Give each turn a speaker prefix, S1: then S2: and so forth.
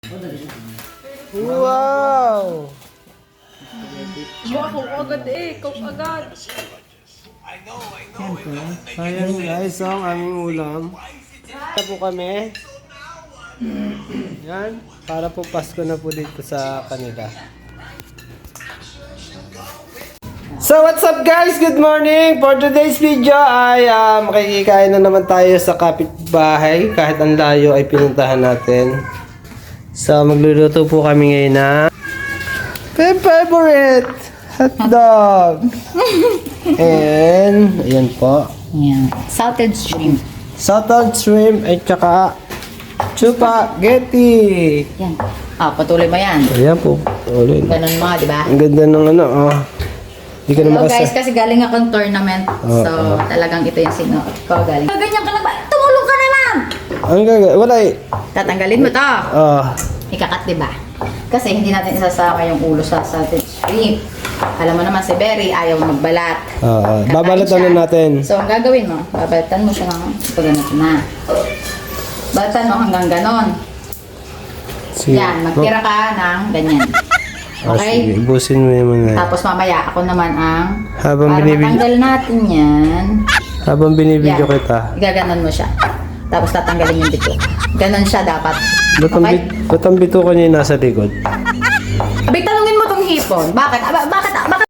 S1: Wow!
S2: Wow, agad eh. Kung agad.
S1: Ayan guys, ang aming ulam. Ito po kami. Yan. Para po Pasko na po dito sa kanila. So what's up guys? Good morning! For today's video ay makikikain na naman tayo sa kapitbahay. Kahit ang layo ay pinuntahan natin. So magluluto po kami ngayon na favorite hotdog. And ayan po.
S2: Yan. Salted shrimp.
S1: Salted shrimp at saka spaghetti.
S2: Yan. Patuloy mo yan.
S1: Ayan po. Ulit.
S2: Ganun mo, di ba?
S1: Ang ganda ng ano, oh. Hindi ka na
S2: Hello
S1: makasa...
S2: guys, kasi galing akong tournament. So, talagang ito yung sinuot ko galing. Ganyan ka lang ba? Tumulong ka naman!
S1: Ang gaga... Wala eh.
S2: Tatanggalin mo to. Ikakat, di ba? Kasi hindi natin isasama yung ulo sa salted shrimp. Alam mo naman si Berry, ayaw magbalat. Kakain
S1: Babalatan
S2: siya.
S1: na natin.
S2: So, ang gagawin mo, babalatan mo siya ng pagganito na. Balatan mo hanggang ganon. Yan, magtira ka ng ganyan. Okay?
S1: Sige, ibusin mo yung mga...
S2: Tapos mamaya, ako naman ang...
S1: Habang
S2: para
S1: binibidyo...
S2: matanggal natin yan.
S1: Habang binibidyo
S2: Yan.
S1: kita.
S2: Igaganon mo siya. Tapos tatanggalin yung bito. Ganon siya dapat.
S1: Ba't ang bitukan niya yung nasa likod?
S2: Abay, tanungin mo tong hipon. Bakit? Bakit